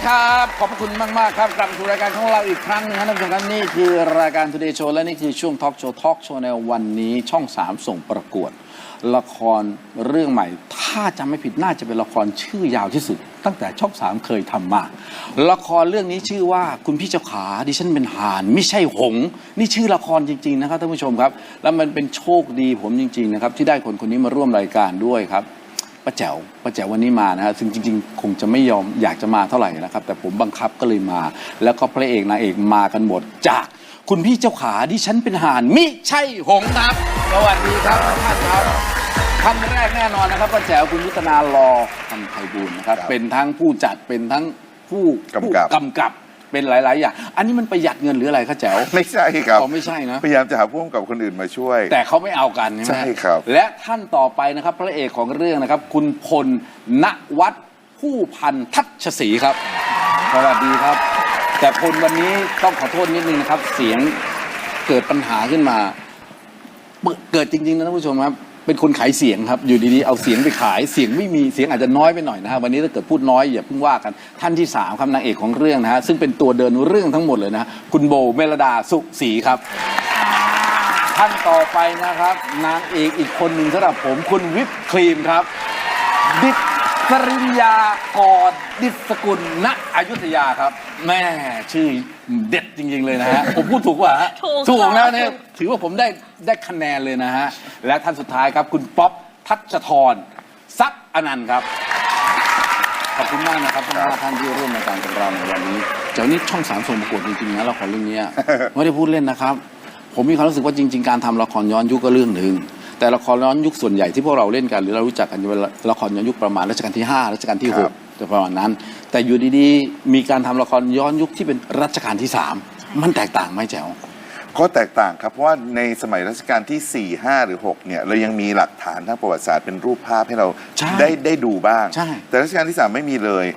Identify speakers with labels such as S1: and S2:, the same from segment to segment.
S1: ครับขอบคุณมากๆครับกลับมาสู่รายการของเราอีกครั้งหนึงครับท่านผู้ชมครับนี่คือรายการ Today Show และนี่คือช่วงทอล์กโชว์ในวันนี้ช่อง 3 ส่งประกวดละครเรื่องใหม่ถ้าจำไม่ผิดน่าจะเป็นละครชื่อยาวที่สุดตั้งแต่ช่อง 3เคยทำมาละครเรื่องนี้ชื่อว่าคุณพี่เจ้าขาดิฉันเป็นห่านไม่ใช่หงส์นี่ชื่อละครจริงๆนะครับท่านผู้ชมครับแล้วมันเป็นโชคดีผมจริงๆนะครับที่ได้คนนี้มาร่วมรายการด้วยครับป้าแจ๋ววันนี้มานะฮะซึ่งจริงๆคงจะไม่ยอมอยากจะมาเท่าไหร่นะครับแต่ผมบังคับก็เลยมาแล้วก็พระเอกนางเอกมากันหมดจากคุณพี่เจ้าขาดิฉันเป็นห่านมิใช่หงส์ครับสวัสดีครับท่านครับท่านแรกแน่นอนนะครับป้าแจ๋วคุณยุทธนารอคำไพบูลย์นะครับเป็นทั้งผู้จัดเป็นทั้งผู้กำกับเป็นหลายๆอย่างอันนี้มันประหยัดเงินหรืออะไรครับแจ๋ว
S2: ไม่ใช่ครับ
S1: ไม่ใช่นะ
S2: พยายามจะหาผู้กำกับคนอื่นมาช่วย
S1: แต่เขาไม่เอากันใช่ไหม
S2: ใช่ครับ
S1: และท่านต่อไปนะครับพระเอกของเรื่องนะครับคุณพลณวัฒน์ผู้พันทัชศรีครับสวัสดีครับแต่พลวันนี้ต้องขอโทษนิดนึงนะครับเสียงเกิดปัญหาขึ้นมาเกิดจริงๆนะท่านผู้ชมครับเป็นคนขายเสียงครับอยู่ดีๆเอาเสียงไปขายเสียงไม่มีเสียงอาจจะน้อยไปหน่อยนะฮะวันนี้ถ้าเกิดพูดน้อยอย่าเพิ่งว่ากันท่านที่3ครับนางเอกของเรื่องนะฮะซึ่งเป็นตัวเดินเรื่องทั้งหมดเลยนะฮะคุณโบเมลดาสุศรีครับท่านต่อไปนะครับนางเอกอีกคนหนึ่งสำหรับผมคุณวิปครีมครับดิษริยากรดิษกุลณอยุธยาครับแม่ชื่อเด็ดจริงๆเลยนะฮะผมพูดถูกป่ะฮะถูกนะเนี่ยถือว่าผมได้คะแนนเลยนะฮะและท่านสุดท้ายครับคุณป๊อปทัชธรทรัพย์อนันต์ครับขอบคุณมากนะครับทั้ง5ท่านที่ร่วมรายการกับเราในวันนี้เจ้านี้ช่อง3ส่งประกวดจริงๆนะละครเรื่องนี้ไม่ได้พูดเล่นนะครับผมมีความรู้สึกว่าจริงๆการทำละครย้อนยุคก็เรื่องหนึ่งแต่ละครย้อนยุคส่วนใหญ่ที่พวกเราเล่นกันหรือเรารู้จักกันเป็นละครย้อนยุคประมาณรัชกาลที่5รัชกาลที่6จะประมาณนั้นแต่อยู่ดีๆมีการทำละครย้อนยุคที่เป็นรัชกาลที่3มันแตกต่างไหมแจ๋ว
S2: ก็แตกต่างครับเพราะว่าในสมัยรัชกาลที่4 5 หรือ 6เนี่ยเรายังมีหลักฐานทางประวัติศาสตร์เป็นรูปภาพให้เราได้ดูบ้างแต่รัชกาลที่3ไม่มีเลย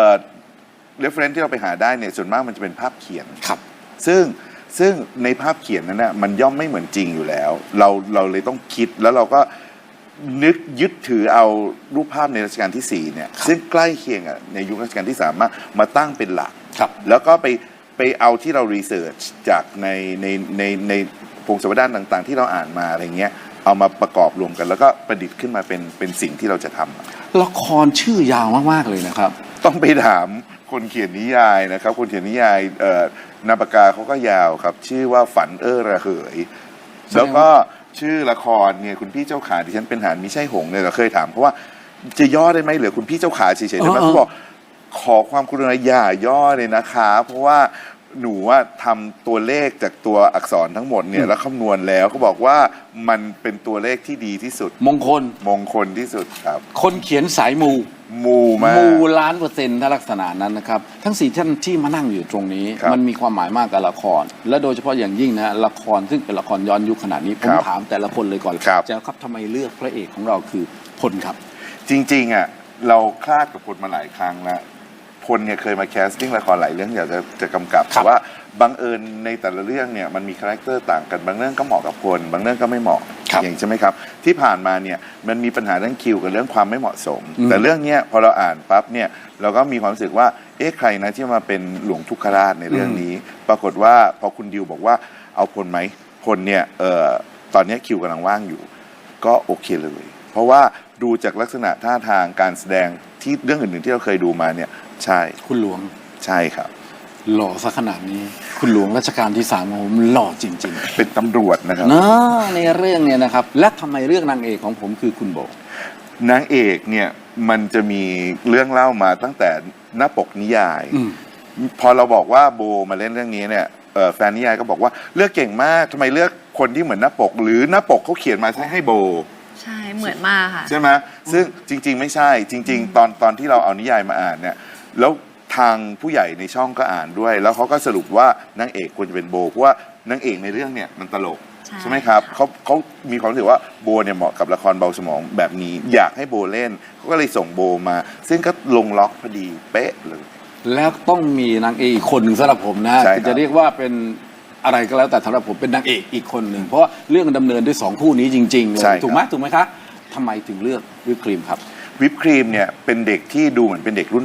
S2: reference ที่เราไปหาได้เนี่ยส่วนมากมันจะเป็นภาพเขียน
S1: ครับ
S2: ซึ่งในภาพเขียนนั้นนะมันย่อมไม่เหมือนจริงอยู่แล้วเราเลยต้องคิดแล้วเราก็นึกยึดถือเอารูปภาพในรัชกาลที่4เนี่ยซึ่งใกล้เคียงในยุครัชกาลที่3มาตั้งเป็นหลักแล้วก็ไปเอาที่เรารีเสิร์ชจากในพงศาวดารต่างๆที่เราอ่านมาอะไรเงี้ยเอามาประกอบรวมกันแล้วก็ประดิษฐ์ขึ้นมาเป็นสิ่งที่เราจะท
S1: ำละครชื่อยาวมากๆเลยนะครับ
S2: ต้องไปถามคนเขียนนิยายนะครับคนเขียนนิยายนามปากกาเขาก็ยาวครับชื่อว่าฝันระเหยแล้วก็ชื่อละครเนี่ยคุณพี่เจ้าขาดิฉันเป็นห่านมิใช่หงส์เนี่ยเราเคยถามเพราะว่าจะย่อได้ไหมเหลือคุณพี่เจ้าขาเฉยๆได้ไหมเขาบอกขอความกรุณาอย่าย่อเลยนะคะเพราะว่าหนูว่าทำตัวเลขจากตัวอักษรทั้งหมดเนี่ยแล้วคำนวณแล้วเขาบอกว่ามันเป็นตัวเลขที่ดีที่สุด
S1: มงคลที่สุด
S2: ครับ
S1: คนเขียนสายมู
S2: มาก
S1: มู1,000,000%ถ้าลักษณะนั้นนะครับทั้ง4ท่านที่มานั่งอยู่ตรงนี้มันมีความหมายมากกับละครและโดยเฉพาะอย่างยิ่งนะละครซึ่งเป็นละครย้อนยุคขนาดนี้ผมถามแต่ละคนเลยก่อนแจ๋วครับทำไมเลือกพระเอกของเราคือพลครับ
S2: จริงๆอ่ะเราคลาดกับพลมาหลายครั้งแล้วพลเนี่ยเคยมาแคสติ้งละครหลายเรื่องอยากจะกำกับแต่ว่าบังเอิญในแต่ละเรื่องเนี่ยมันมีคาแรคเตอร์ต่างกันบางเรื่องก็เหมาะกับพลบางเรื่องก็ไม่เหมาะอย่างใช่ไหมครับที่ผ่านมาเนี่ยมันมีปัญหาเรื่องคิวกับเรื่องความไม่เหมาะสมแต่เรื่องนี้พอเราอ่านปั๊บเนี่ยเราก็มีความรู้สึกว่าใครนะที่มาเป็นหลวงทุกขราชในเรื่องนี้ปรากฏว่าพอคุณดิวบอกว่าเอาพลไหมพลเนี่ยตอนนี้คิวกำลังว่างอยู่ก็โอเคเลยเพราะว่าดูจากลักษณะท่าทางการแสดงที่เรื่องอื่นๆที่เราเคยดูมาเนี่ยใช่
S1: คุณหลวง
S2: ใช่ครับ
S1: หล่อซะขนาดนี้คุณหลวงรัชกาลที่3ผมหล่อจริง
S2: ๆเป็นตำรวจนะครับ
S1: ในเรื่องเนี่ยนะครับและทำไมเรื่องนางเอกของผมคือคุณโบ
S2: นางเอกเนี่ยมันจะมีเรื่องเล่ามาตั้งแต่หน้าปกนิยายพอเราบอกว่าโบมาเล่นเรื่องนี้เนี่ยแฟนนิยายก็บอกว่าเลือกเก่งมากทำไมเลือกคนที่เหมือนหน้าปกหรือหน้าปกเขาเขียนมาให้โบ
S3: ใช่เหมือนมากค่ะ
S2: ใช่ไหมซึ่งจริงๆไม่ใช่จริงๆตอนที่เราเอานิยายมาอ่านเนี่ยแล้วทางผู้ใหญ่ในช่องก็อ่านด้วยแล้วเขาก็สรุปว่านางเอกควรจะเป็นโบเพราะว่านางเอกในเรื่องเนี่ยมันตลกใช่ไหมครับเขามีความรู้สึกว่าโบเนี่ยเหมาะกับละครเบาสมองแบบนี้อยากให้โบเล่นเขาก็เลยส่งโบมาซึ่งก็ลงล็อกพอดีเป๊ะเลย
S1: แล้วต้องมีนางเอกอีกคนหนึ่งสำหรับผมนะจะเรียกว่าเป็นอะไรก็แล้วแต่สำหรับผมเป็นนางเอกอีกคนหนึ่งเพราะเรื่องดำเนินด้วย2คู่นี้จริงๆเลยถูกไหมคะทำไมถึงเลือกวิปครีมครับ
S2: วิปครีมเนี่ยเป็นเด็กที่ดูเหมือนเป็นเด็กรุ่นใหม่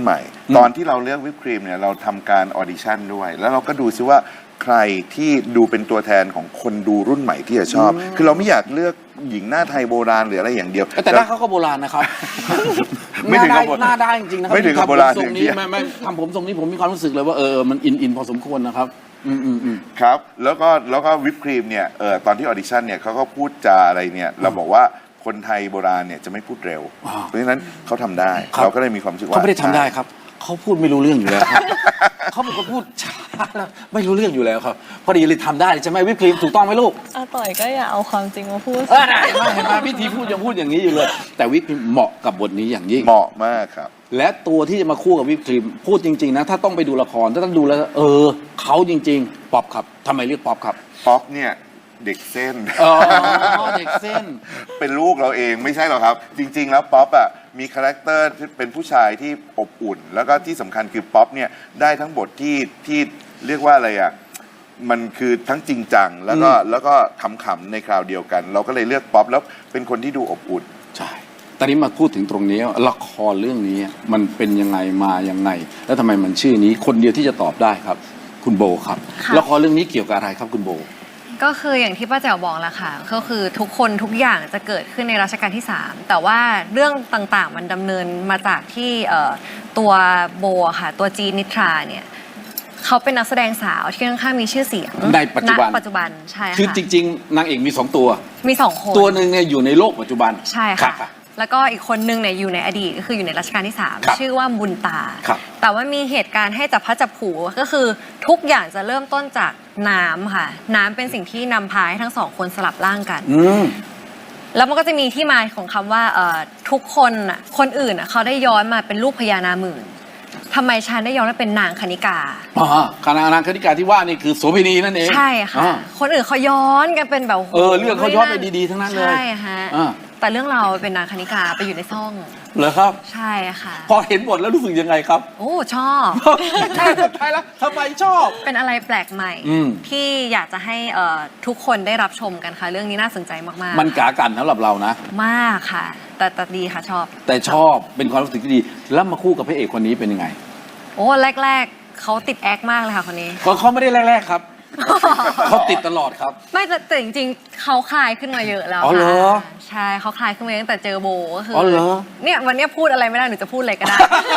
S2: ตอนที่เราเลือกวิปครีมเนี่ยเราทำการออดิชั่นด้วย แล้วเราก็ดูซิว่าใครที่ดูเป็นตัวแทนของคนดูรุ่นใหม่ที่จะชอบ คือเราไม่อยากเลือกหญิงหน้าไทยโบราณหรืออะไรอย่างเดียว
S1: แต่หน้าเขาก็โบราณนะครับ
S2: ไม่ถึงกับโบ
S1: หน้าได้จริงๆนะครั
S2: ไม่ถึงกับโบราณ
S1: ทำผมทรงนี้
S2: อย่างเดียว
S1: ไม่ทำผมทรงนี้ผมมีความรู้สึกเลยว่ามันอินพอสมควรนะครับ
S2: ครับแล้วก็วิปครีมเนี่ยตอนที่ออดิชั่นเนี่ยเขาก็พูดจาอะไรเนี่ยเราบอกว่าคนไทยโบราณเนี่ยจะไม่พูดเร็ว เพราะฉะนั้นเขาทำได้ เราก็เลยมีความรู้สึกว่า
S1: เขาไม่ได้ทำได้ครับเขาพูดไม่รู้เรื่องอยู่แล้วครับ เขาเป็นคนพูดช้าแล้วไม่รู้เรื่องอยู่แล้วครับพอดีเลยทำได้ใช่ไหมวิปครีมถูกต้องไหมลูก
S4: อาต่อยก็อย่าเอาความจริงมาพูด
S1: ได้เห็นไหมวิธีพูดยังพูดอย่างนี้อยู่เลย แต่วิปครีมเหมาะกับบทนี้อย่างยิ่ง
S2: เหมาะมากครับ
S1: และตัวที่จะมาคู่กับวิปครีมพูดจริงๆนะถ้าต้องไปดูละครถ้าต้องดูแล้วเขาจริงๆป๊อปครับทำไมเรียกป๊อปครับ
S2: ป๊อปเนี่ยเด็กเส้น
S1: อ๋อเด็กเส้น
S2: เป็นลูกเราเองไม่ใช่หรอกครับ จริง ๆ แล้วป๊อปอ่ะมีคาแรคเตอร์ที่เป็นผู้ชายที่อบอุ่น แล้วก็ที่สำคัญคือป๊อปเนี่ยได้ทั้งบทที่เรียกว่าอะไรอ่ะมันคือทั้งจริงจังแล้วก็ขำๆในคราวเดียวกัน เราก็เลยเลือกป๊อปแล้วเป็นคนที่ดูอบอุ่น
S1: ใช่ตอนนี้มาพูดถึงตรงนี้ว่าละครเรื่องนี้มันเป็นยังไงมายังไง แล้วทำไมมันชื่อนี้คนเดียวที่จะตอบได้ครับ คุณโบครับ
S3: ค่ะ
S1: ละครเรื่องนี้เกี่ยวกับอะไรครับคุณโบ
S3: ก็คืออย่างที่ป้าแจ๋วบอกแหละค่ะ ก็คือทุกคนทุกอย่างจะเกิดขึ้นในรัชกาลที่ 3 แต่ว่าเรื่องต่างๆมันดำเนินมาจากที่ตัวโบอะค่ะ ตัวจีนนิทราเนี่ยเขาเป็นนักแสดงสาวที่ค่อนข้างมีชื่อเสียง
S1: ในปัจจุบัน
S3: ณปัจจุบันใช่ค่ะ
S1: คือจริงๆนางเอกมี2ตัว
S3: มี2 คน
S1: ตัวหนึ่งเนี่ยอยู่ในโลกปัจจุบัน
S3: ใช่
S1: ครั
S3: ค่ะ
S1: บ
S3: แล้วก็อีกคนนึงเนี่ยอยู่ในอดีตก็คืออยู่ในรัชกาลที่
S1: ครับ
S3: 3 ชื่อว่าบุญตา
S1: ครับ
S3: แต่ว่ามีเหตุการณ์ให้จับพลัดจับผลูก็คือทุกอย่างจะเริ่มต้นจากน้ำค่ะ น้ำเป็นสิ่งที่นำพาให้ทั้งสองคนสลับร่างกัน แล้วมันก็จะมีที่มาของคำว่าทุกคนน่ะคนอื่นน่ะเขาได้ย้อนมาเป็นลูกพญานาคหมื่นทำไมฉันได้ย้อนมาเป็นนางคณิกา
S1: คณะนางคณิกาที่ว่านี่คือโสเภณีนั่นเอง
S3: ใช่ค่ะ
S1: อ่า
S3: คนอื่นเขาย้อนกันเป็นแบบโโห
S1: เรื่องเขาย้อนไปดีๆทั้งนั้นเลย
S3: ใช่ฮะ
S1: อ่า
S3: แต่เรื่องเราเป็นนางคณิกาไปอยู่ในซ่อง
S1: เหรอครับ
S3: ใช่ค่ะ
S1: พอเห็นบทแล้วรู้สึกยังไงครับ
S3: โอ้ชอบ
S1: ใช่สุดท้ายแล้วทำไมชอบ
S3: เป็นอะไรแปลกใหม่
S1: อืม
S3: ที่อยากจะให้ทุกคนได้รับชมกันค่ะ เรื่องนี้น่าสนใจมากๆ
S1: มันกากันสำหรับเรานะ
S3: มากค่ะ แต่ดีค่ะชอบ
S1: แต่ชอบเป็นความรู้สึกที่ดี แล้วมาคู่กับพระเอกคนนี้เป็นยังไง
S3: โอ้แรกๆเขาติดแอคมากเลยค่ะคนนี้
S1: เพราะเขาไม่ได้แรกๆครับ เขาติดตลอดครับ
S3: ไม่แต่จริงๆเขาคลายขึ้นมาเยอะแล้ว
S1: อ๋อเหรอ
S3: ค่ะใช่เขาคลายขึ้นมาตั้งแต่เจอโบก็คือ
S1: อเหรอ
S3: เนี่ยวันเนี้ยพูดอะไรไม่ได้หนูจะพูดอะไรก็ได้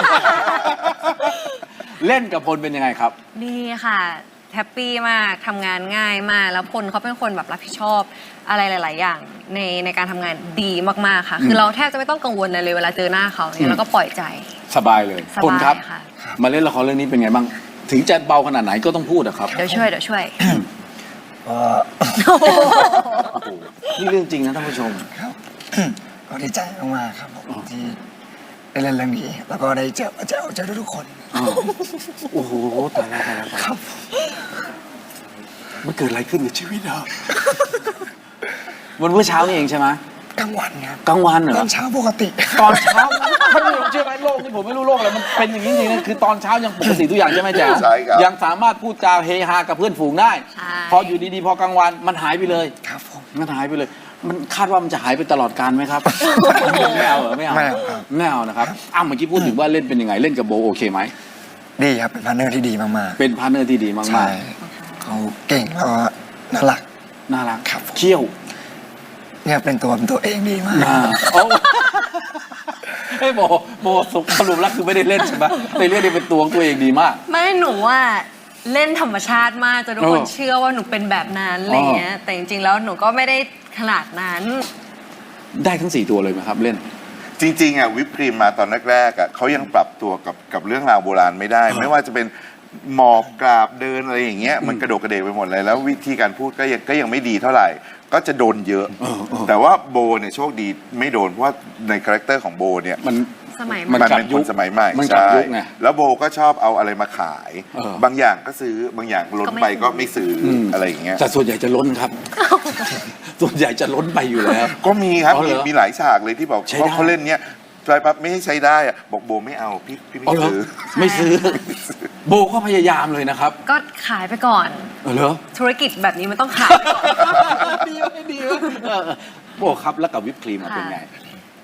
S1: เล่นกับพลเป็นยังไงครับ
S3: ดีค่ะแฮปปี้มากทำงานง่ายมาก แล้วพลเขาเป็นคนแบบรับผิดชอบอะไรหลาย ๆ อย่างในการทำงานดีมากๆค่ะ คือเราแทบจะไม่ต้องกังวลอะไรเลยเวลาเจอหน้าเขาเนี่ยเราก็ปล่อยใจ
S1: สบายเลย
S3: สบาย
S1: พลครับ
S3: ค่ะ
S1: มาเล่นละครเรื่องนี้เป็นไงบ้าง ถึงจะเบาขนาดไหนก็ต้องพูดอะครับ
S3: เดี๋ยวช่วย
S1: นี่เรื่องจริงนะท่านผู้ชม
S5: ครับ ก็ดีใจมากๆครับผมที่ได้เล่นเรื่องนี้แล้วก็ได้เจอทุกคน
S1: โอ้โหตายแล้วตายแล้วตายแล้วมันเกิดอะไรขึ้นกับชีวิตเราวันเมื่อเช้านี่เองใช่ไหม
S5: กลางวันครับ
S1: กลางวันเหรอ
S5: ตอนเช้าปกติ
S1: ตอนเช้าท่านผู้ชมเชื่อไหมโลกนี่ผมไม่รู้โลกอะไรมันเป็นอย่างนี้จริงๆนะคือตอนเช้ายังปกติทุกอย่างใช่ไหมแจ๊
S2: ใช่ครับ
S1: ยังสามารถพูดจาเฮฮากับเพื่อนฝูงได้
S3: ใช่
S1: พออยู่ดีๆพอกลางวันมันหายไปเลย
S5: ครับผม
S1: มันหายไปเลย มันคาดว่ามันจะหายไปตลอดกาลไหมครับ ไม่เอาเหรอไม่เอา
S5: ไม่เอาครับ
S1: ไม่เอานะครับอ้าวเมื่อกี้พูดถึงว่าเล่นเป็นยังไงเล่นกับโบโอเคไหม
S5: ดีครับเป็นพาร์ทเนอร์ที่ดีมาก
S1: เป็นพาร์ทเนอร์ที่ดี
S5: ๆ
S1: มาก
S5: ใช่เขาเก่งแล้วก็น่ารัก
S1: ๆน่ารัก
S5: ครับ
S1: เขี้ยว
S5: เนี่ยเป็นตัวเองดีมาก
S1: โอ้ไอ้ยโบสรุปแล้วคือไม่ได้เล่นใช่ไหมในเรื่องนี้เป็นตัวของตัวเองดีมาก
S3: ไม่หนูว่าเล่นธรรมชาติมากจนทุกคน
S1: เออ
S3: เชื่อว่าหนูเป็นแบบนั้นอะไรเงี้ย แต่จริงๆแล้วหนูก็ไม่ได้ขนาดนั้น
S1: ได้ทั้ง4ตัวเลยไหมครับเล่น
S2: จริงๆอ่ะวิปครีมมาตอนแรกๆอ่ะเขายังปรับตัวกับเรื่องราวโบราณไม่ได้ ไม่ว่าจะเป็นหมอบกราบเดินอะไรอย่างเงี้ยมันกระโดดกระเดกไปหมดเลยแล้ววิธีการพูดก็ยังไม่ดีเท่าไหร่ ก็จะโดนเยอะ แต่ว่าโบเนี่ยโชคดีไม่โดนเพราะว่าในคาแรคเตอร์ของโบเนี่ย
S1: มัน
S3: สมัย
S1: มัน
S2: มัน
S1: กลับ
S2: เป็น
S1: ยุ
S2: ค
S1: คน
S2: สมัยใหม่
S1: มันกลับ
S2: ใช่
S1: ยุคไง
S2: แล้วโบก็ชอบเอาอะไรมาขาย
S1: เออ
S2: บางอย่างก็ซื้อบางอย่างล้นไปก็ไม่ซื้ออ
S1: ม
S2: อะไรอย่างเงี้ย
S1: แต่ส่วนใหญ่จะล้นครับ ส่วนใหญ่จะล้นไปอยู่แล้ว
S2: ก็มีครับ
S1: อ๋อเหรอ
S2: มีหลายฉากเลยที่บอก
S1: ใช้ได้
S2: เขาเล่นเนี้ยไปปั๊บไม่ให้ใช้ได้อะบอกโบไม่เอาพี่ไม่
S1: อ๋อเหรอ
S2: ซื้อ
S1: ไม่ซื้อ โบก็พยายามเลยนะครับ
S3: ก็ขายไปก่อน
S1: เหรอ
S3: ธุรกิจแบบนี้มันต้องขายไปก่อน
S1: ดีไม่ดีวะโบครับแล้วกับวิปครีมอะเป็นไง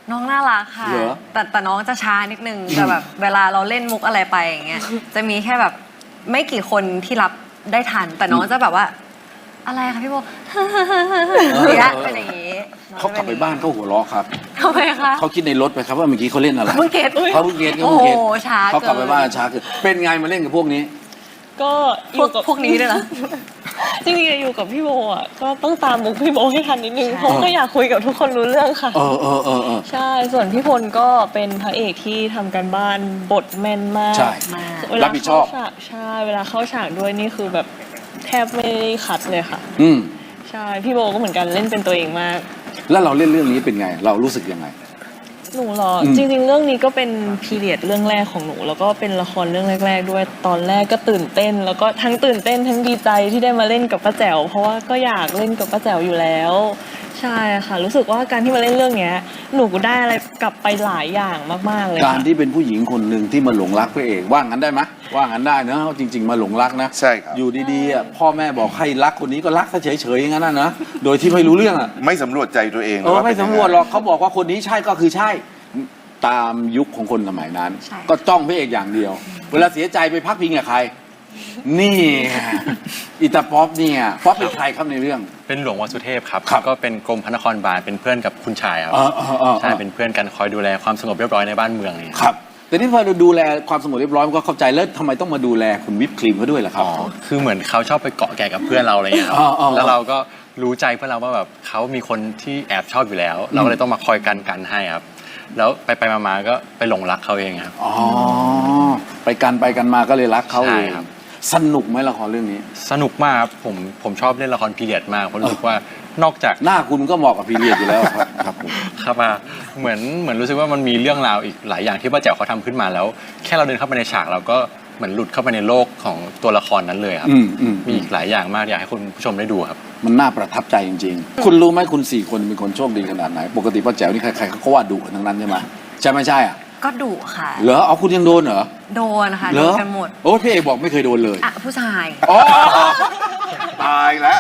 S3: น้องน่ารักค่ะ
S1: เหรอ
S3: แต่น้องจะช้านิดนึงแต่แบบเวลาเราเล่นมุกอะไรไปอย่างเงี้ยจะมีแค่แบบไม่กี่คนที่รับได้ทัน แต่น้องจะแบบว่า อะไรคะพี่โบเนี่ยเป็นอย่างนี้
S1: เขากลับไปบ้านเขาหัวเราะครับ
S3: ทำไมคะ
S1: เขาคิดในรถไปครับว่าเมื่อกี้เขาเล่นอะไร
S3: เพิ่งเก็ต
S1: เขาเพิ่งเก็ต
S3: โอ้โหช้า
S1: เขากลับไป
S3: เกิน
S1: บ้านช้าคือเป็นไงมาเล่นกับพวกนี้
S4: ก็อยู่กับ
S3: พวกนี้ด้วยเหรอ
S4: จริงๆอยู่กับพี่โบอ่ะก็ต้องตามมุกพี่โบให้ทันนิดนึง
S3: ใช่
S4: เพราะก็อยากคุยกับทุกคนรู้เรื่องค่ะ
S1: เออ
S4: ใช่ส่วนพี่พลก็เป็นพระเอกที่ทำการบ้านบทแม่นมาก
S1: ใช่
S3: มาก
S4: เวลา
S1: รับผิดชอบ
S4: เข้าฉากใช่เวลาเข้าฉากด้วยนี่คือแบบแทบไม่ได้คัดเลยค่ะ
S1: อืม
S4: ใช่พี่โบก็เหมือนกันเล่นเป็นตัวเองมาก
S1: แล้วเราเล่นเรื่องนี้เป็นไง เรารู้สึกยังไง
S4: หนูเหรอ
S1: อืม
S4: จริงๆ เรื่องนี้ก็เป็นพีเรียดเรื่องแรกของหนู แล้วก็เป็นละครเรื่องแรก ๆ ด้วยตอนแรกก็ตื่นเต้น แล้วก็ทั้งตื่นเต้นทั้งดีใจที่ได้มาเล่นกับป้าแจ๋วเพราะว่าก็อยากเล่นกับป้าแจ๋วอยู่แล้ว ใช่ค่ะ รู้สึกว่าการที่มาเล่นเรื่องเนี้ยหนูก็ได้อะไรกลับไปหลายอย่างมากๆเลย
S1: การ
S4: ค่ะ
S1: ที่เป็นผู้หญิงคนหนึ่งที่มาหลงรักพระเอกว่างั้นได้ไหมว่างั้นได้เนอะจริง ๆ มาหลงรักนะ
S2: ใช่ครับ
S1: อยู่ดีๆอ่ะพ่อแม่บอกให้รักคนนี้ก็รักซะเฉยๆอย่างนั้นนะโดยที่ไม่รู้เรื่องอ่ะ
S2: ไม่สำรวจใจตัวเอง
S1: ไม่
S2: เป็นยัง
S1: สำ
S2: ง
S1: รวจหรอกเขาบอกว่าคนนี้ใช่ก็คือใช่ตามยุคของคนสมัยนั้น
S3: ใช่
S1: ก็จ้องพระเอกอย่างเดียว เวลาเสียใจไปพักพิงกับใคร นี่อิตาป๊อปเนี่ยป๊อปเป็นใครครับในเรื่อง
S6: เป็นหลวงวสุเทพครับ
S1: ครับ
S6: ก็เป็นกรมพระนครบาลเป็นเพื่อนกับคุณชายครับ ใช่เป็นเพื่อนกันคอยดูแลความสงบเรียบร้อยในบ้านเมืองเนี่ย
S1: ครับ แต่นี่พอเราดูแลความสงบเรียบร้อยมันก็เข้าใจแล้วทำไมต้องมาดูแลคุณวิปครีมเขาด้วยล่ะครับ
S6: อ๋อคือเหมือนเขาชอบไปเกาะแก่กับเพื่อนเราอะไรเงี้ยครับ
S1: อ๋อๆ
S6: แล้วเราก็รู้ใจเพื่อนเราว่าแบบเขามีคนที่แอบชอบอยู่แล้ว เราก็เลยต้องมาคอยกันให้ครับแล้วไปมาก็ไปหลงรักเขาเองครับ
S1: อ๋อไปกันมาก็เลยรักเขาเอง
S6: ใช่ครับ
S1: สนุกไหมละครเรื่องนี้
S6: สนุกมากครับผมชอบเล่นละครพีเรียดมากเพราะรู้สึกว่านอกจาก
S1: หน้าคุณก็เหมาะกับพีเรียดอยู่แล้วครับครับผม
S6: ครับเหมือนรู้สึกว่ามันมีเรื่องราวอีกหลายอย่างที่ป้าแจ๋วเขาทำขึ้นมาแล้ว แค่เราเดินเข้าไปในฉากเราก็เหมือนหลุดเข้าไปในโลกของตัวละครนั้นเลยครับ
S1: อืม
S6: มีอีกหลายอย่างมากอยากให้คุณผู้ชมได้ดูครับ
S1: มันน่าประทับใจจริงๆ คุณรู้ไหมคุณ4คนเป็นคนโชคดีขนาดไหน ปกติป้าแจ๋วนี่ใครๆเขาก็ว่าดุกันทั้งนั้นใช่ไหมใช่ไม่ใช่อ่ะ
S3: ก็ดุค่ะ
S1: เหรอเอาคุณยังโดนเหรอ
S3: โดนค่ะ
S1: เหร
S3: โด
S1: อน
S3: กันหมด
S1: โอ้พี่เอกบอกไม่เคยโดนเลย
S3: อ่ะผู้ชาย
S1: อ๋อ
S2: ตายแล้ว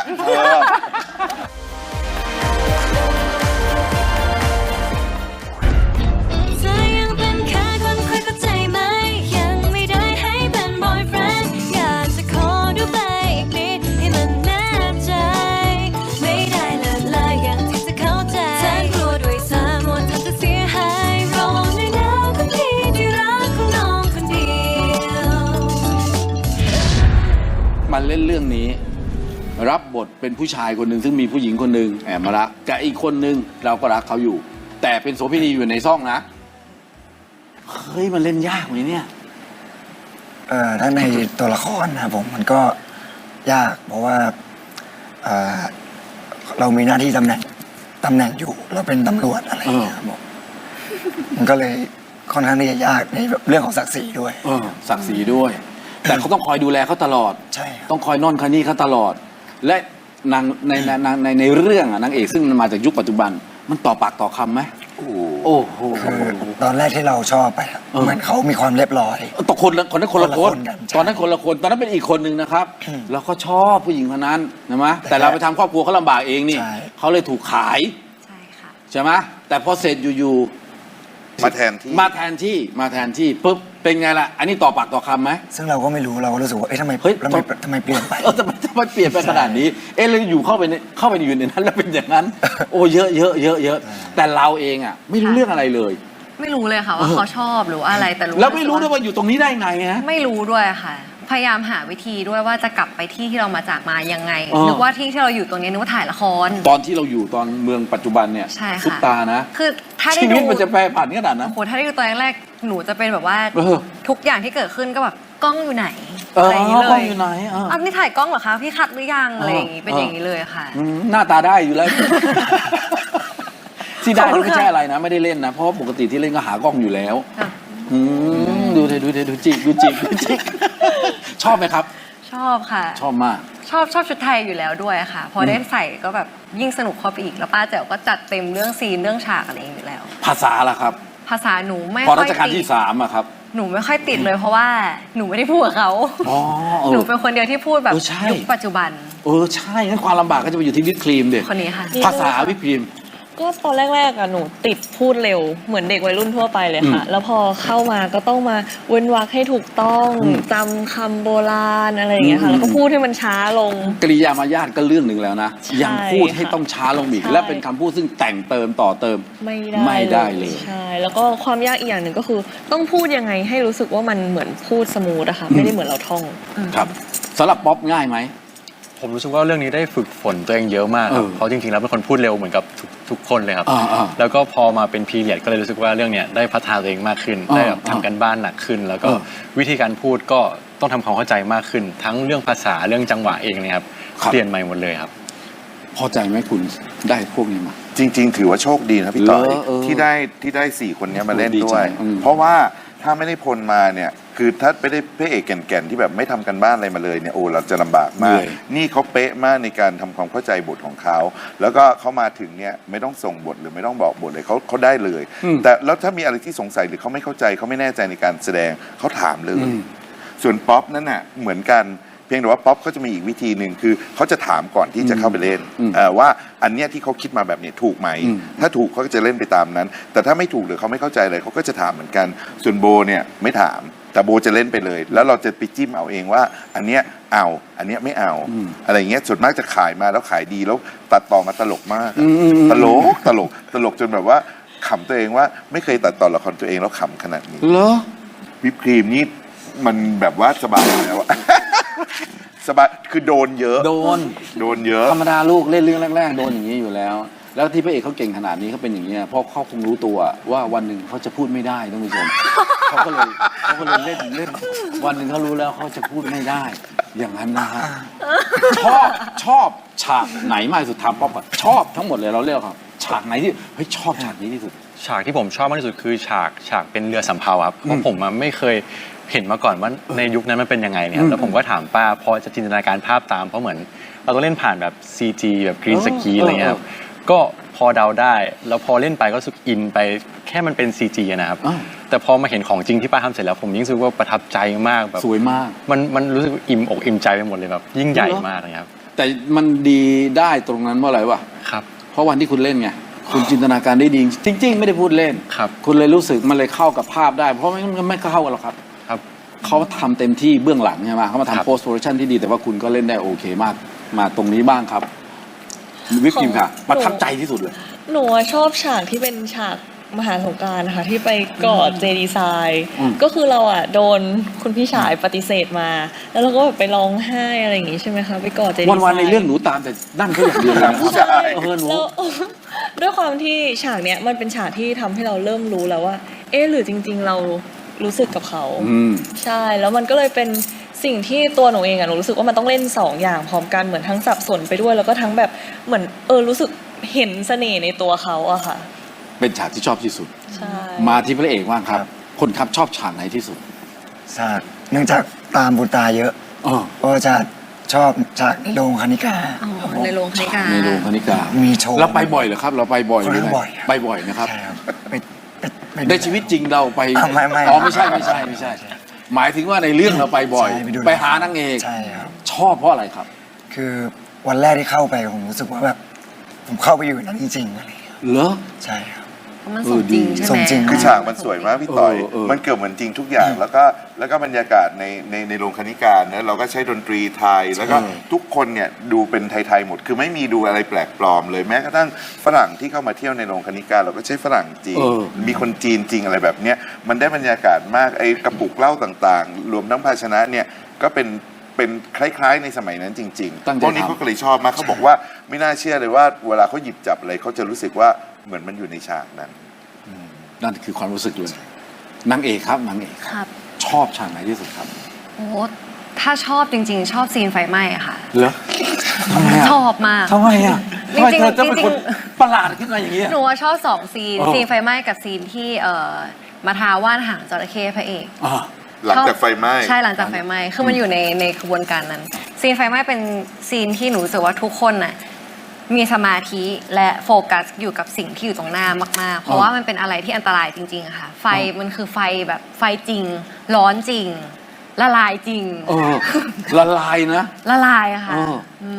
S7: เธอยังเป็นแค่คนคุยเข้าใจไหมยังไม่ได้ให้เป็น boyfriend อยากจะขอดูไปอีกนิดให้มันแน่ใจ ไม่ได้เลิศลายอย่างที่จะเข้าใจฉันกลัวด้วยสามหมดจะเสียหายรอในแนวคนที่ที่รักของน้องคนเดียว
S1: มาเล่นเรื่องนี้ รับบทเป็นผู้ชายคนหนึ่งซึ่งมีผู้หญิงคนหนึ่งแอบมารักกับอีกคนหนึ่งเราก็รักเขาอยู่ แต่เป็นโสเภณีอยู่ในซ่องนะเฮ้ยมันเล่นยากไหมเนี่ย
S5: ถ้าในตัวละครนะครับผมมันก็ยากเพราะว่าเอ่อเรามีหน้าที่ตำแหน่งอยู่เราเป็นตำรวจอะไรอย่างเงี้ยครับผมมันก็เลยค่อนข้างที่จะยากในเรื่องของศักดิ์ศรีด้วย
S1: ศักดิ์ศรีด้วย แต่เขาต้องคอยดูแลเขาตลอด
S5: ใช่ครับ
S1: ต้องคอยนอนคอยนี่เขาตลอด และนางในเรื่องอะนางเอกซึ่งมันมาจากยุคปัจจุบัน มันต่อปากต่อคำไหม
S2: โอ้โห
S1: โอ้โห
S5: คือตอนแรกที่เราชอบไปอะเหมือนเขามีความเรียบร้อย
S1: ต่อคนละคนนั้นคนละคน
S5: คนละคนกันใช่
S1: ตอนนั้นคนละคนตอนนั้นเป็นอีกคนหนึ่งนะครับ เราก็ชอบผู้หญิงคนนั้นนะมะแต่เราไปทำครอบครัวเขาลำบากเองนี่
S5: ใช่
S1: เขาเลยถูกขาย
S3: ใช่ค่ะ
S1: ใช่ไหมแต่พอเสร็จอยู่
S2: มาแทนที่
S1: ๆมาแทนที่ปุ๊บเป็นไงล่ะ อันนี้ต่อปากต่อคำไหม
S5: ซึ่งเราก็ไม่รู้เราก็รู้สึกว่าเอ๊ะทำไม
S1: เฮ้ย
S5: ทำไมเปลี่ยนไป
S1: ทำไมเปลี่ยนไปขนาดนี้ เอ๊ะเราอยู่เข้าไปอยู่ในนั้นแล้วเป็นอย่างนั้น โอ้เยอะแต่เราเองอ่ะไม่รู้เรื่องอะไรเลย
S3: ไม่รู้เลยค่ะว่าเขาชอบหรือว่าอะไรแต่รู้
S1: แล้วไม่รู้ด้วยว่าอยู่ตรงนี้ได้ไงฮะ
S3: ไม่รู้ด้วยค่ะ พยายามหาวิธีด้วยว่าจะกลับไปที่ที่เรามาจากมายังไง
S1: อ๋อ
S3: นึกว่าที่ที่เราอยู่ตรงนี้นึกว่าถ่ายละคร
S1: ตอนที่เราอยู่ตอนเมืองปัจจุบันเนี่ย
S3: ใช่ค่ะ
S1: ซุปตานะ
S3: คือถ้าได้
S1: ชีวิ
S3: ดู
S1: ตมันจะแปรผันขนาดนั้น
S3: โอ้โหถ้าได้ดูตอนแรกๆหนูจะเป็นแบบว่า
S1: เออ
S3: ทุกอย่างที่เกิดขึ้นก็แบบกล้องอยู่ไหน
S1: เออ
S3: อะไรอย่างนี้เล
S1: กล้อย งอยู่ไหนอ่ะ
S3: นี่ถ่ายกล้องเหรอคะพี่คัดหรือยังอะไรอย่างงี้เป็น
S1: เออ
S3: อย่างนี้เลยค่ะ
S1: หน้าตาได้อยู่แล้ว ที่ได้
S3: ขอบคุณ
S1: ไม่ใช่อะไรนะ ไม่ได้เล่นนะ เพราะว่าปกติที่เล่นก็หากล้องอยู่แล้ว
S3: ค่ะ
S1: ดูจิก ชอบไหมครับ
S3: ชอบค่ะ
S1: ชอบมาก
S3: ชอบชุดไทยอยู่แล้วด้วยค่ะ พอได้ใส่ก็แบบยิ่งสนุกเข้าไปอีกแล้วป้าแจ๋วก็จัดเต็มเรื่องซีนเรื่องฉากอะไรอย่างนี้อยู่แล้ว
S1: ภาษาล่ะครับ
S3: ภาษาหนูไม่
S1: พอ
S3: ค่
S1: รั
S3: อย
S1: ชกาล
S3: ติ
S1: ที่
S3: ด
S1: 3อะครับ
S3: หนูไม่ค่อยติดเลยเพราะว่าหนูไม่ได้พูดกับเขา
S1: อ๋อ
S3: หนูเป็นคนเดียวที่พูดแบบ
S1: ใช่
S3: ยุคปัจจุบัน
S1: ใช่งั้นความลำบากก็จะไปอยู่ที่วิปครีมเด็
S3: คนนี้ค่ะ
S1: ภาษาวิปครีม
S4: ก็ตอนแรกๆอะหนูติดพูดเร็วเหมือนเด็กวัยรุ่นทั่วไปเลยค่ะ แล้วพอเข้ามาก็ต้องมาเว้นวรรคให้ถูกต้องจำคำโบราณอะไรอย่างเงี้ยค่ะ แล้วก็พูดให้มันช้าลง
S1: กริยามารยาทก็เรื่องหนึ่งแล้วนะ
S4: ใช่
S1: ยังพูดให้ต้องช้าลงอีก
S4: ใช่
S1: และเป็นคำพูดซึ่งแต่งเติมต่อเติม ไม่ได้เลย
S4: ใช่แล้วก็ความยากอีกอย่างหนึ่งก็คือต้องพูดยังไงให้รู้สึกว่ามันเหมือนพูดสมูทอะค่ะไม่ได้เหมือนเราท่อง
S1: ครับสำหรับป๊อปง่ายไหม
S6: ผมรู้สึกว่าเรื่องนี้ได้ฝึกฝนตัวเองเยอะมากครับเพราะจริงๆแล้วเป็นคนพูดเร็วเหมือนกับทุกคนเลยครับ แล้วก็พอมาเป็นพีเรียดก็เลยรู้สึกว่าเรื่องเนี้ยได้พัฒนาตัวเองมากขึ้นได้แบบทำกันบ้านหนักขึ้น แล้วก็วิธีการพูดก็ต้องทำความเข้าใจมากขึ้น ทั้งเรื่องภาษาเรื่องจังหวะเองเนี่ยครับเปลี่ยนใหม่หมดเลยครับ
S1: พอใจไหมคุณได้พวกนี้มา
S2: จริง ๆ ถือว่าโชคดีนะพี่ต่อย
S1: เออ
S2: ที่ได้4 คนเนี้ยมาเล่น
S1: ดี
S2: ด้
S1: ใจ
S2: วย
S1: อืม
S2: เพราะว่าถ้าไม่ได้พลมาเนี่ยคือถ้าไม่ได้พระเอกแก่นๆที่แบบไม่ทำกันบ้านอะไรมาเลยเนี่ยโอ้เราจะลำบากมาก นี่เขาเป๊ะมากในการทำความเข้าใจบทของเขาแล้วก็เขามาถึงเนี่ยไม่ต้องส่งบทหรือไม่ต้องบอกบทเลยเขาได้เลย แต่แล้วถ้ามีอะไรที่สงสัยหรือเขาไม่เข้าใจเขาไม่แน่ใจในการแสดงเขาถามเลย ส่วนป๊อปนั่นน่ะเหมือนกันเพียงแต่ว่าป๊อปเขาจะมีอีกวิธีหนึ่งคือเขาจะถามก่อนที่จะเข้าไปเล่นว่าอันเนี้ยที่เขาคิดมาแบบเนี้ยถูกไหมถ้าถูกเขาก็จะเล่นไปตามนั้น แต่ถ้าไม่ถูกหรือเขาไม่เข้าใจอะไรเขาก็จะถามเหมือนกันส่วนโบเนี่ยไม่ถามแต่โบจะเล่นไปเลย แล้วเราจะไปจิ้มเอาเองว่าอันเนี้ยเอาอันเนี้ยไม่เอาอะไรเงี้ยส่วนมากจะขายมาแล้วขายดีแล้วตัดต่อมาตลกมากตลกจนแบบว่าขำตัวเองว่าไม่เคยตัดต่อละครตัวเองแล้วขำขนาดนี้
S1: เหรอ
S2: วิปครีมนี่มันแบบว่าสบายแล้วอะ สบายคือโดนเยอะ
S1: โดน
S2: เยอะ
S1: ธรรมดาลูกเล่นเรื่องแรกๆโดนอย่างนี้อยู่แล้ว แล้วที่พระเอกเขาเก่งขนาดนี้เขาเป็นอย่างนี้ยเพราะเขาคงรู้ตัวว่าวันหนึ่งเขาจะพูดไม่ได้ท่านผู้ชม เขาก็เลยเล่นวันหนึ่งเขารู้แล้วเขาจะพูดไม่ได้ อย่างนั้นนะฮะชอบฉากไหนมากที่สุดถามป๊อปก่อนชอบทั้งหมดเลยเราเรียกครับฉากไหนที่เฮ้ยชอบฉากนี้ที่สุด
S6: ฉากที่ผมชอบมากที่สุดคือฉากเป็นเรือสำเภาครับเพราะผมไม่เคยเห็นมาก่อนว่าในยุคนั้นมันเป็นยังไงเนี่ยครับแล้วผมก็ถามป้าพอจะจินตนาการภาพตามเพราะเหมือนเราต้องเล่นผ่านแบบ CG แบบกรีนสกรีนอะไรเงี้ยครับก็พอเดาได้แล้วพอเล่นไปก็รู้สึกอินไปแค่มันเป็น CG อะนะครับแต่พอมาเห็นของจริงที่ป้าทำเสร็จแล้วผมยิ่งรู้สึกว่าประทับใจมากแบบ
S1: สวยมาก
S6: มันรู้สึกอิ่มอกอิ่มใจไปหมดเลยแบบยิ่งใหญ่มากเลยครับ
S1: แต่มันดีได้ตรงนั้นเพราะอะไรวะ
S6: ครับ
S1: เพราะวันที่คุณเล่นไงคุณจินตนาการได้ดีจริง ๆ ไม่ได้พูดเล่น
S6: ครับ
S1: คุณเลยรู้สึกมันเลยเข้ากับภาพได้ เพราะไม่เข้ากันหรอกครับ
S6: ครับ
S1: เขาทำเต็มที่เบื้องหลังใช่ไหมเขามา
S6: ครับ
S1: ทำโพสต์โปรดักชันที่ดีแต่ว่าคุณก็เล่นได้โอเคมาก มาตรงนี้บ้างครับ วิปครีมค่ะ ประทับใจที่สุดเลย
S4: หนูชอบฉากที่เป็นฉากมหาสงกรานต์นะคะที่ไปกอดเจดีไซน์ก็คือเราอ่ะโดนคุณพี่ชายปฏิเสธมา แล้วเราก็แบบไปร้องไห้อะไรอย่างงี้ใช่ไหมคะไปกอดเจดีไซน์
S1: วันๆในเรื่องหนูตามแต่นั่นเขาอย่างเดียวเลยนะ
S2: ผู้ชาย
S1: หนู
S4: แล้ว ด้วยความที่ฉากเนี้ยมันเป็นฉากที่ทำให้เราเริ่มรู้แล้วว่า เอ๊ะหรือจริง ๆ เรารู้สึกกับเขา ใช่แล้วมันก็เลยเป็นสิ่งที่ตัวหนูเองอะหนูรู้สึกว่ามันต้องเล่นสองอย่างพร้อมกันเหมือนทั้งสับสนไปด้วยแล้วก็ทั้งแบบเหมือนรู้สึกเห็นเสน่ห์ในตัวเขาอะค่ะ
S1: เป็นฉากที่ชอบที่สุด
S4: ใช่
S1: มาที่พระเอกบ้างครับ คนครับชอบฉากไหนที่สุด
S5: ฉากเนื่องจากตามบุญตาเยอะ
S1: อ๋อ
S5: ก็จะชอบฉากในโรงคณิกา
S3: อ๋อในโรงคณิกา
S1: ในโรงคณิกา
S5: มีโชว์
S1: เราไปบ่อยเหรอครับ เราไปบ่อยหรือไง
S5: บ่อยครับ
S1: ไปบ่อยนะครับ
S5: ใช่ครับไป
S1: ในชีวิตจริงเราไป
S5: ไม่
S1: อ๋อไม่ใช่หมายถึงว่าในเรื่องเราไปบ่อย
S5: ใช่ไปดู
S1: ไปหานางเอก
S5: ใช่ครับ
S1: ชอบเพราะอะไรครับ
S5: คือวันแรกที่เข้าไปผมรู้สึกว่าแบบผมเข้าไปอยู่ในนั้นจริงๆอะไรอย่างเงี้ย
S1: เหรอ
S5: ใช่ครับ
S3: มันสมจริงใช่ไหม
S5: สมจริง
S2: คือฉากมันสวยมากพี่ต่อย
S1: เออ
S2: มันเกือบเหมือนจริงทุกอย่าง แล้วก็บรรยากาศในโรงคณิกาเนี่ยเราก็ใช้ดนตรีไทย แล้วก็ทุกคนเนี่ยดูเป็นไทยๆหมด คือไม่มีดูอะไรแปลกปลอมเลย แม้กระทั่งฝรั่งที่เข้ามาเที่ยวในโรงคณิกาเราก็ใช้ฝรั่งจีน มีคนจีนจริงอะไรแบบเนี้ย มันได้บรรยากาศมาก ไอ้กระปุกเหล้าต่างๆ รวมทั้งภาชนะเนี่ย ก็เป็นคล้ายๆในสมัยนั้นจริง
S1: ตั้ง
S2: ๆ
S1: ใจ
S2: พวกนี้
S1: ทำ
S2: เขาก็เลยชอบมากเขาบอกว่าไม่น่าเชื่อเลยว่าเวลาเขาหยิบจับอะไรเขาจะรู้สึกว่าเหมือนมันอยู่ในฉากนั้น
S1: นั่นคือความรู้สึกเลยนางเอกครับนางเอก
S3: ครับ
S1: ชอบฉากไหนที่สุดครับ
S3: โอ้ถ้าชอบจริง ๆ ชอบซีนไฟไหม้อะค่ะ
S1: เหรอทำไมอ่ะ
S3: ชอบมาก
S1: ทำไมอ่ะทำไม
S3: จริงๆ
S1: เธอจะเป็น
S3: จริงๆ
S1: คนประหลาดขึ้นมาอย่างนี้ย
S3: หนูว่าชอบสองซีน
S1: อ๋อ
S3: ซีนไฟไหม้กับซีนที่มาทาว่านหางจระเข้พระเอก
S1: อ่า
S2: หลังจากไฟไหม้
S3: ใช่หลังจากไฟไหม้คือมันอยู่ในขบวนการนั้น ซีนไฟไหม้เป็นซีนที่หนูรู้สึกว่าทุกคนน่ะมีสมาธิและโฟกัสอยู่กับสิ่งที่อยู่ตรงหน้ามากๆ เพราะว่ามันเป็นอะไรที่อันตรายจริงๆอะค่ะ ไฟมันคือไฟแบบไฟจริง ร้อนจริง ละลายจริง
S1: ละลายนะ
S3: ละลายอะค่ะ
S1: เออ
S3: อืม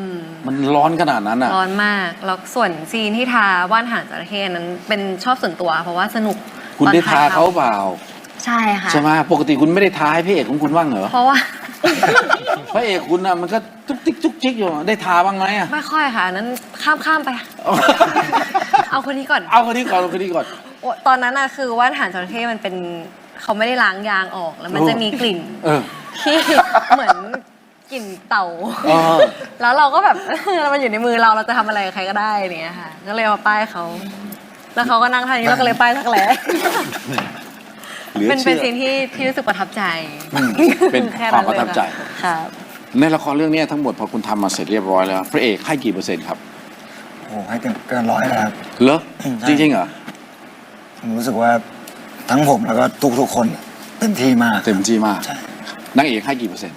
S1: มันร้อนขนาดนั้นอ่ะ
S3: ร้อนมากแล้วส่วนซีนที่ทาว่านหางจระเข้นั้นเป็นชอบส่วนตัว เพราะว่าสนุก
S1: คุณ
S3: ตอน
S1: ได้
S3: ถ่
S1: ทาย เขาเปล่า
S3: ใช่ค่ะ
S1: ใช่ไหมปกติคุณไม่ได้ทาให้พระเอกของคุณบ้างเหรอ
S3: เพราะว่า
S1: พระเอกคุณน่ะมันก็จุกจิกจุกจิกอยู่ได้ทาบ้างไหมอ่ะ
S3: ไม่ค่อยค่ะอันนั้นข้ามไป เอาคนนี้ก่อน
S1: เอาคนนี้ก่อนเอาคนนี้ก่อน
S3: โอ้ตอนนั้นน่ะคือว่านหางจระเข้มันเป็นเขาไม่ได้ล้างยางออกแล้วมันจะมีกลิ่น
S1: เออ
S3: ที่เหมือนกลิ่นเต่า
S1: เออ
S3: แล้วเราก็แบบ มันอยู่ในมือเราจะทำอะไรกับใครก็ได้อะไรเงี้ยค่ะ ก็เลยมาป้ายเขา แล้วเขาก็นั่งท่านี้เราก็เลยป้ายทักแหล้
S1: เหลือ
S3: เป็น
S1: เชื่อ
S3: ซีนที่รู้สึกประทับใจ
S1: เป็น
S3: แค่
S1: ความประทับใจ
S3: ครับ
S1: ในละครเรื่องนี้ทั้งหมดพอคุณทำมาเสร็จเรียบร้อยแล้ว พระเอกให้กี่เปอร์เซ็นต์ครับ
S5: โอ้ให้เกินร้อยเลยครับ
S1: เหรอ
S5: ใช่
S1: จริงๆเหรอ
S5: ผมรู้สึกว่าทั้งผมแล้วก็ทุกคนเต็มที่มาก
S1: เต็มที่มาก
S5: ใช่
S1: นางเอกให้กี่เปอร์เซ็นต์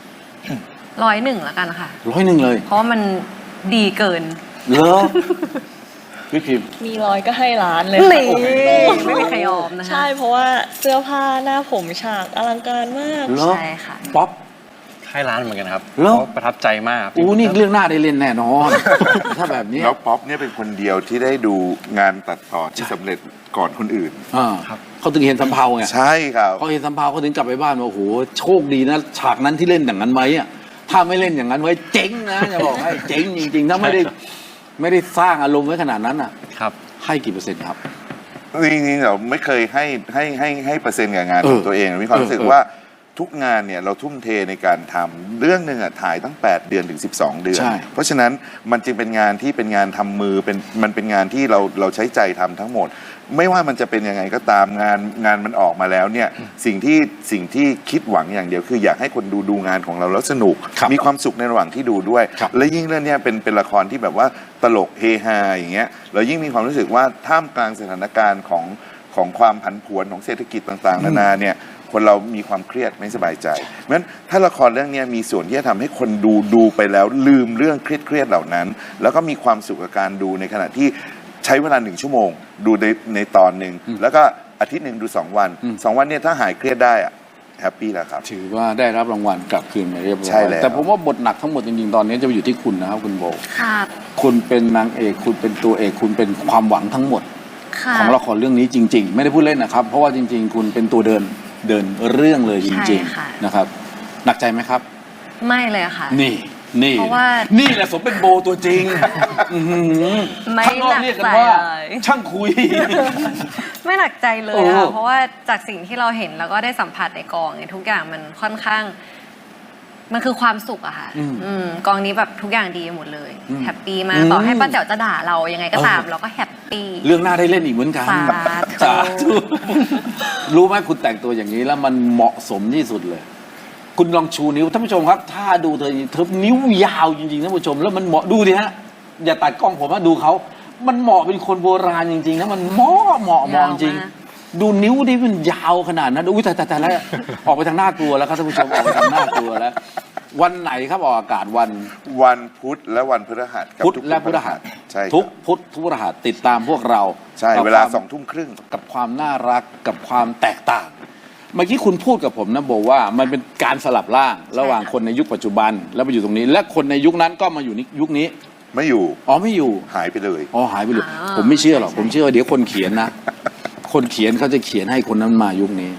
S3: 101แล้วกันค่ะ
S1: 100เลย
S3: เพราะว่ามันดีเกิน
S1: เหรอพี่พิมพ์
S4: มีร้อยก็ให้ล้านเลย
S3: นี่
S4: ค่ะ
S3: ไม่มีใครยอมนะคะ
S4: ใช่เพราะว่าเสื้อผ้าหน้าผมฉากอลังการมาก
S1: เหรอ
S3: ใช่ค่ะ
S1: ป๊อป
S6: ให้ร้านเหมือนกันครับ
S1: เหรอ
S6: เพราะประทับใจมากครับ
S1: อู้นี่เรื่องหน้าได้เล่นแน่นอน ถ้าแบบนี้
S2: แล้วป๊อปเนี่ยเป็นคนเดียวที่ได้ดูงานตัดต่อที่สำเร็จก่อนคนอื่น
S1: อ่าเขาถึงเห็นสำเภาไง
S2: ใช่ครับ
S1: เขาเห็นสำเภาเขาถึงกลับไปบ้านว่าโอ้โหโชคดีนะฉากนั้นที่เล่นอย่างนั้นไว้อะถ้าไม่เล่นอย่างนั้นไว้เจ๊งนะจะบอกให้เจ๊งจริงๆถ้าไม่ได้สร้างอารมณ์ไว้ขนาดนั้นอ่ะ
S6: ครับ
S1: ให้กี่เปอร์เซ็นต์ครับ
S2: จริงๆเราไม่เคยให้เปอร์เซ็นต์กับงานของตัวเองมีความรู้สึก
S1: เออ
S2: ว่าทุกงานเนี่ยเราทุ่มเทในการทำเรื่องหนึ่งอะถ่ายตั้ง 8 เดือนถึง 12 เดือน
S1: ใช่
S2: เพราะฉะนั้นมันจึงเป็นงานที่เป็นงานทำมือมันเป็นงานที่เราใช้ใจทำทั้งหมด ไม่ว่ามันจะเป็นยังไงก็ตามงานมันออกมาแล้วเนี่ยสิ่งที่คิดหวังอย่างเดียวคืออยากให้คนดูงานของเราแล้วสนุก
S1: ครับ
S2: มีความสุขในระหว่างที่ดูด้วย
S1: ครับ
S2: และยิ่งเรื่องเนี้ยเป็นละครที่แบบว่าตลกเฮฮาอย่างเงี้ยเรายิ่งมีความรู้สึกว่าท่ามกลางสถานการณ์ของความผันผวนของเศรษฐกิจต่างๆนานาเนี่ยคนเรามีความเครียดไม่สบายใจเพราะฉะนั้นถ้าละครเรื่องนี้มีส่วนที่จะทำให้คนดูไปแล้วลืมเรื่องเครียดๆเหล่านั้น แล้วก็มีความสุขกับการดูในขณะที่ใช้เวลา1 ชั่วโมง ดูในตอนหนึ่งแล้วก็อาทิตย์หนึ่งดู2 วัน2 วันเนี่ยถ้าหายเครียดได้อะแฮปปี้แล้วครับ
S1: ถือว่าได้รับรางวัลกลับคืนมาเรียบร้อย
S2: ใช่แล้ว
S1: แต่ผมว่าบทหนักทั้งหมดจริงๆตอนนี้จะไปอยู่ที่คุณนะครับคุณโบ
S3: ครับ
S1: คุณเป็นนางเอกคุณเป็นตัวเอกคุณเป็นความหวังทั้งหมด
S3: ค่ะ
S1: ของละครเรื่องนี้จริง ๆ ไม่ได้พูดเล่นนะครับ เพราะว่าจริง ๆ คุณเป็นตัวเดินเรื่องเลยจริง
S3: ใช่ค่ะ
S1: ๆนะครับหนักใจไหมครับ
S3: ไม่เลยค่ะ
S1: นี่
S3: เพราะว่า
S1: นี่แหละสมเป็นโบตัวจริงอื้อหือ
S3: ไม่
S1: ข้างนอก
S3: หนัก
S1: เรียกกัน
S3: ใจ
S1: ว่า
S3: เลย
S1: ช่างคุย
S3: ไม่หนักใจเลย
S1: โอ้
S3: ค่ะ เพราะว่าจากสิ่งที่เราเห็นแล้วก็ได้สัมผัสในกองเนี่ยทุกอย่างมันค่อนข้าง มันคือความสุขอะค่ะกองนี้แบบทุกอย่างดีหมดเลย แฮปปี้มากต่อให้ป้าแจ๋วจะด่าเรายังไงก็ตามเราก็แฮปปี้
S1: เรื่องหน้าได้เล่นอีกเหมือนกัน
S3: สาธุ
S1: รู้ไหมคุณแต่งตัวอย่างนี้แล้วมันเหมาะสมที่สุดเลย คุณลองชูนิ้วท่านผู้ชมครับ ถ้าดูเธอนิ้วยาวจริงๆท่านผู้ชมแล้วมันเหมาะดูดิฮะอย่าตัดกล้องผมนะดูเขามันเหมาะเป็นคนโบราณจริงๆนะมันเหมาะจริง ดูนิ้วดิมันยาวขนาดนั้นอุ้ยแต่แล้วออกไปทางหน้ากลัวแล้วครับท่านผู้ชมออกไปทางหน้ากลัวแล้ว วันไหนครับออกอากาศวัน
S2: วันพุธและวันพฤหัสกับ
S1: พุธ
S2: ทุก
S1: และพฤหัส
S2: ใช่ครับ
S1: ทุกพุธทุกพฤหัสติดตามพวกเรา
S2: ใช่
S1: กับ
S2: เวลา
S1: ความ
S2: 20:30
S1: กับความน่ารักกับความแตกต่าง เมื่อกี้คุณพูดกับผมนะบอกว่ามันเป็นการสลับร่างระหว่างคนในยุคปัจจุบันแล้วมาอยู่ตรงนี้ และคนในยุคนั้นก็มาอยู่ในยุคนี้
S2: ไม่อยู่
S1: อ๋อไม่อยู่
S2: หายไปเลย
S1: อ๋อหายไปเลยผมไม่เชื่อหรอกผมเชื่อว่าเดี๋ยวคนเขียนนะ คนเขียนเขาจะเขียนให้คนนั้นมายุคนี้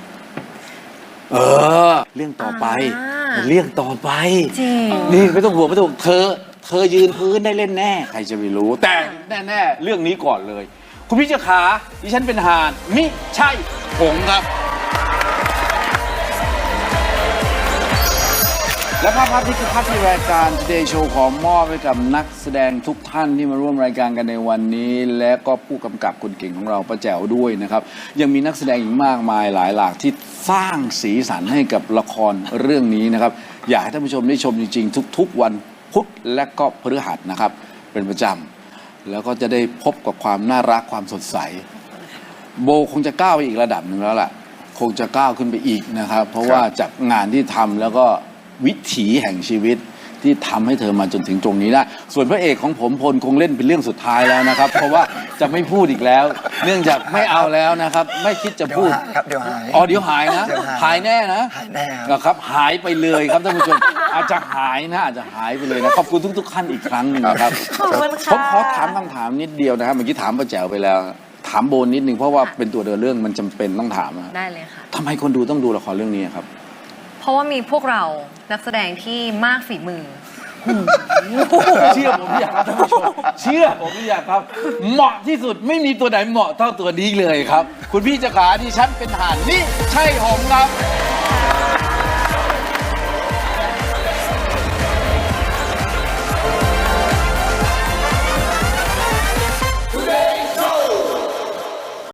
S1: เรื่องต่อไปเรื่องต่อไป
S3: จริง
S1: นี่ไม่ต้องห่วงไม่ต้องห่วงเธอยืนพื้นได้เล่นแน่ใครจะไปรู้ แต่แน่ๆเรื่องนี้ก่อนเลย คุณพี่เจ้าขาดิฉันเป็นห่านมิใช่ผงครับ และภาพนี้คือภาพที่รายการ Today Show ขอมอบให้กับนักแสดงทุกท่านที่มาร่วมรายการกันในวันนี้ และก็ผู้กำกับคนเก่งของเราป้าแจ๋วด้วยนะครับยังมีนักแสดงอีกมากมายหลายหลากที่สร้างสีสันให้กับละครเรื่องนี้นะครับอยากให้ท่านผู้ชมได้ชมจริงๆทุกๆวันพุธและก็พฤหัสนะครับเป็นประจำแล้วก็จะได้พบกับความน่ารักความสดใสโบคงจะก้าวไปอีกระดับหนึ่งแล้วล่ะคงจะก้าวขึ้นไปอีกนะครับเพราะว่าจากงานที่ทำแล้วก็วิถีแห่งชีวิตที่ทำให้เธอมาจนถึงตรงนี้ได้ส่วนพระเอกของผมพลคงเล่นเป็นเรื่องสุดท้ายแล้วนะครับ เพราะว่าจะไม่พูดอีกแล้ว เนื่องจากไม่เอาแล้วนะครับ ไม่คิดจะ
S5: เดี๋ยว
S1: พูด
S5: หายครับเดี๋ยวหาย
S1: อ๋อเดี๋ยวหายนะ
S5: เดี๋ยวหาย
S1: หายแน่นะ
S5: หายแน่ครับ
S1: นะครับหายไปเลยครับท่านผู้ชมอาจจะหายนะอาจจะหายไปเลยนะขอบคุณทุกๆท่านอีกครั้งหนึ่งนะครับ
S3: ขอบคุณค่ะ
S1: ผมขอถามคำถามนิดเดียวนะครับเมื่อกี้ถามป้าแจ๋วไปแล้ว ถามโบนนิดนึงเพราะว่าเป็นตัวเดินเรื่องมันจำเป็นต้องถามนะ
S3: ได้เลยค่ะ
S1: ทำไมคนดูต้องดูละครเรื่องนี้ครับ
S3: เพราะว่ามีพวกเรานักแสดงที่มากฝีมือ
S1: เชื่อผมอยากครับท่านผู้ชมเชื่อผมอยากครับ เหมาะที่สุดไม่มีตัวไหนเหมาะเท่าตัวนี้เลยครับ คุณพี่เจ้าขาดิฉันเป็นทหารนี่ใช่ผมครับ